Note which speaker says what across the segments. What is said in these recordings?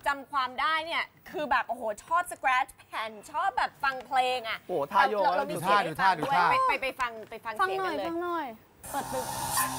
Speaker 1: จำความได้เนี่ยคือแบบโอ้โหชอบสแครชแผ่นชอบแบบฟังเพลงอ่ะ
Speaker 2: โอ้ท่าโยก
Speaker 1: เรามีเสียงให้ฟังด้วยไปฟังเสียงกันเลย
Speaker 3: ฟังหน่อยเปิดตึก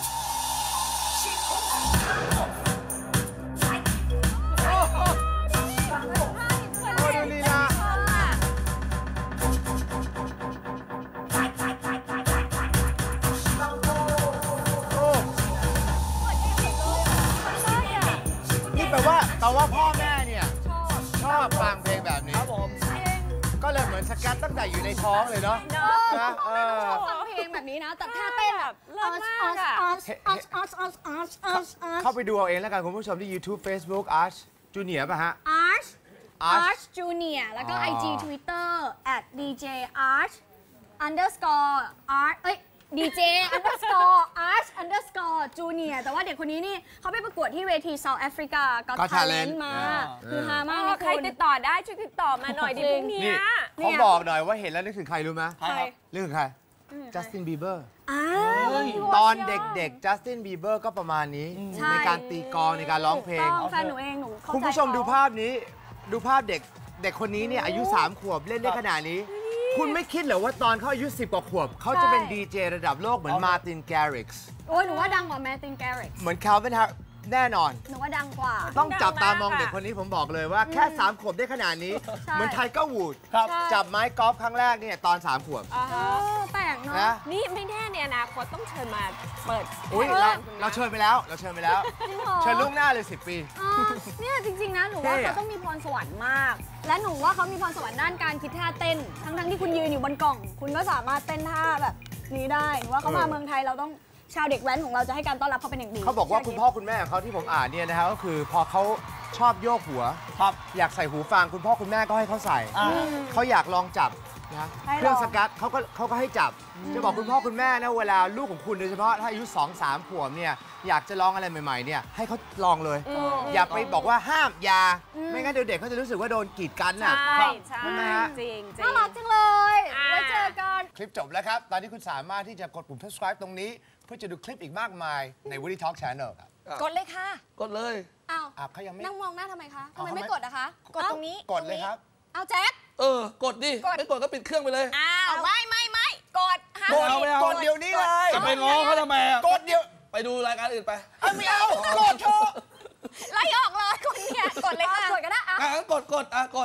Speaker 4: แต่ว่าพ่อแม่เนี่ยชอบฟังเพลงแบบนี้ครับผมก็เลยเหมือนสกัดตั้งแต่อยู่ในท้องเลยเนาะนะ
Speaker 3: ชอบฟังเพลงแบบนี้นะแต่ท่าเต้นแบบ
Speaker 1: เลิศมากอะ
Speaker 4: เข้าไปดูเอาเองแล้วกันคุณผู้ชมที่ YouTube Facebook Arch Junior ป่ะฮะ
Speaker 3: Arch Junior แล้วก็ IG Twitter @djarch_art DJ _Arch_ Junior แต่ว่าเด็กคนนี้นี่เขาไปประกวดที่เวที South Africa Got Talent มาคือฮามากนะคุณ
Speaker 1: ใครติดต่อได้ช่วยติดต่อมาหน่อยดิพวกนี้
Speaker 4: เขาบอกหน่อยว่าเห็นแล้วนึกถึงใครรู้ไหมนึกถึงใคร Justin Bieber ตอนเด็กๆ Justin Bieber ก็ประมาณนี้ในการตีกลองในการร้องเพลง
Speaker 3: แฟนหนูเองหนู
Speaker 4: คุณผู้ชมดูภาพนี้ดูภาพเด็กคนนี้เนี่ยอายุ3 ขวบเล่นได้ขนาดนี้คุณไม่คิดเหรอว่าตอนเขาอายุ10 กว่าขวบเขาจะเป็นดีเจระดับโลกเหมือนมาร์ตินแกริกส์
Speaker 3: โอ้ยหนูว่าดังกว่ามาร์ตินแกริกส์
Speaker 4: เหมือนคาร์เวนฮาร์แน่นอน
Speaker 3: หนูว่าดังกว่า
Speaker 4: ต้องจับตามองเด็กคนนี้ผมบอกเลยว่าแค่3 ขวบได้ขนาดนี้เหมือนไทเกอร์วูดจับไม้กอล์ฟครั้งแรกเนี่ยตอน3 ขวบ
Speaker 3: แปลกเนาะ
Speaker 1: นี่ไม่แน่ในอนาคตต้องเชิญมาเปิด
Speaker 4: เราเชิญไปแล้วเชิญล่วงหน้าเลย10 ปี
Speaker 3: เนี่ยจริงๆนะหนูว่าเขาต้องมีพรสวรรค์มากและหนูว่าเขามีพรสวรรค์ด้านการคิดท่าเต้นทั้งที่คุณยืนอยู่บนกล่องคุณก็สามารถเต้นท่าแบบนี้ได้หนูว่าเขามาเมืองไทยเราต้องชาวเด็กแว้นของเราจะให้การต้อนรับเขาเป็นอย่างดี
Speaker 4: เขาบอกว่าคุณพ่อคุณแม่ของเขาที่ผมอ่านเนี่ยนะครับก็คือพอเขาชอบโยกหัวอยากใส่หูฟังคุณพ่อคุณแม่ก็ให้เขาใส่เขาอยากลองจับนะเครื่องสกัดเขาก็ให้จับจะบอกคุณพ่อคุณแม่นะเวลาลูกของคุณโดยเฉพาะถ้าอายุ2-3 ขวบเนี่ยอยากจะลองอะไรใหม่ๆเนี่ยให้เขาลองเลยอย่าไปบอกว่าห้ามอย่าไม่งั้นเดี๋ยวเด็กเขาจะรู้สึกว่าโดนกีดกันน่ะ
Speaker 1: ใช่จริง
Speaker 3: น่ารักจังเลยไว้เจอกัน
Speaker 4: คลิปจบแล้วครับตอนนี้คุณสามารถที่จะกดปุ่ม subscribe ตรงนี้เพื่อจะดูคลิปอีกมากมายใน Woody Talk Channel ครับ
Speaker 1: กดเลยค่ะ
Speaker 2: กดเลย
Speaker 3: อ้าว
Speaker 4: เขายังไม่
Speaker 3: นั่งมองหน้าทำไมคะทำไมไม่กดอะคะ
Speaker 1: กดตรงนี้
Speaker 4: กดเลยครับ
Speaker 3: เอาแจ็ค
Speaker 2: กดดิไม่กดก็ปิดเครื่องไปเลย
Speaker 1: อ้าวไม่กด
Speaker 4: กดเดี๋ยวนี้เลย
Speaker 2: จะไปง้อเขาทำไม
Speaker 4: กดเดี๋ยว
Speaker 2: ไปดูรายการอื่นไป
Speaker 4: ไม่เอากดเถอะ
Speaker 1: ไล่ออกเลยคนเนี่ยกดเลยค่ะ
Speaker 3: กดก็ได้
Speaker 2: กด